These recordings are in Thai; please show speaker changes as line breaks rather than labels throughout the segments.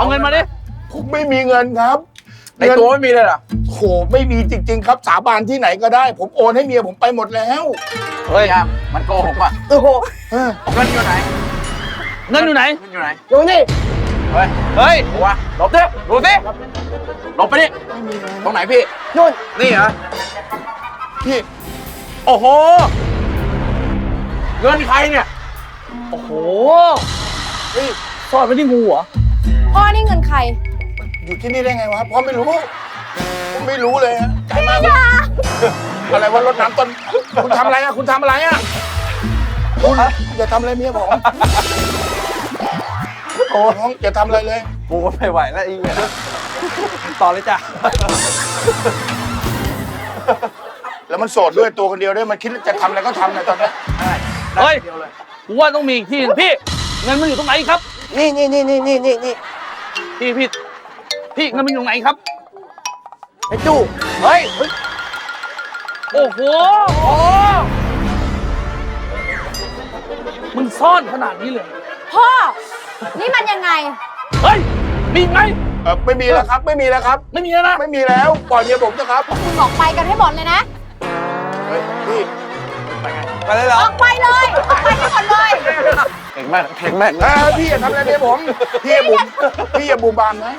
เอาเงินมาดิ
ผมไม่มีเงินครับ
ในตัวไม่มีเลยเหรอ
โหไม่มีจริงๆครับสาบานที่ไหนก็ได้ ผมโอนให้เมียผมไปหมดแล้ว
เฮ้ยมันโกหกว่ะ
โอ้โห
เงินอยู่ไหน
เงินอยู่ไหน
เงินอยู่ไหน
อยู่นี่
เฮ้ย
เฮ้ย
ดูวะหลบดิดูสิหลบไปดิตรงไหนพี่
นู่น
นี่เหรอ
พี่
โอ้โหเงินใครเนี่ย
โอ้โห
เฮ้ย
ซ่อนไว้ที่งูเหรอ
พ่อนี่เงินใคร
อยู่ที่นี่ได้ไงวะพ่อไม่รู้ผมไม่รู้เลยฮะใจมากอะไรวะรดน้ำต้นคุณทำอะไรอะคุณทำอะไรอะคุณอย่าทำอะไรเมียผมโอ้น้องอย่าทำอะไรเลย
กูก็ไม่ไหวแล้วอีกเนี่ยต่อเลยจ้ะ
แล้วมันโสดด้วยตัวคนเดียวด้วยมันคิดจะทำอะไรก็ทำนะตอนนี้
เฮ้ยกูว่าต้องมีอีกที่หนึ่งพี่ เงินมันอยู่ตรงไหนครับ
นี่
พี่เงินมันอยู่ตรงไหนครับ
ไอ้จู้
เฮ้ย โอ้โหมึงซ่อนขนาดนี้เลย
พ่อ นี่มันยังไง
เฮ้ย มีอีกไหม
ไม่มีแล้วครับ ไม่มีแล้วครับ
ไม่มีแล้วนะ
ไม่มีแล้วปล่อยเมียผมนะครับ
คุณออกไปกันให้หมดเลยนะ
เฮ้ยพี่
ไปเลยเหร
อ
อ
อกไปเลย ออกไปให้หมดเลย
เก่งมากเก่งมาก
พี่อย่าทำอะไรเมียผมพี่อย่าบูมบามนะ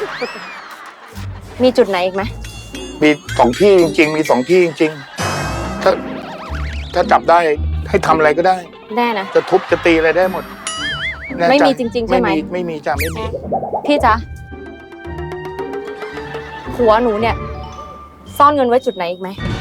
มีจุดไหนอีกไหม
มีสองที่จริงๆ มีสองที่จริงๆ ถ้าจับได้ให้ทำอะไรก็ได้
แน่นะ
จะทุบจะตีอะไรได้หมดแน่ใจ
ไม่มีจริงๆใช่ไหม
ไม่มีจ้ะไม่มี
พี่จ๊ะผัวหนูเนี่ย ซ่อนเงินไว้จุดไหนอีกไหม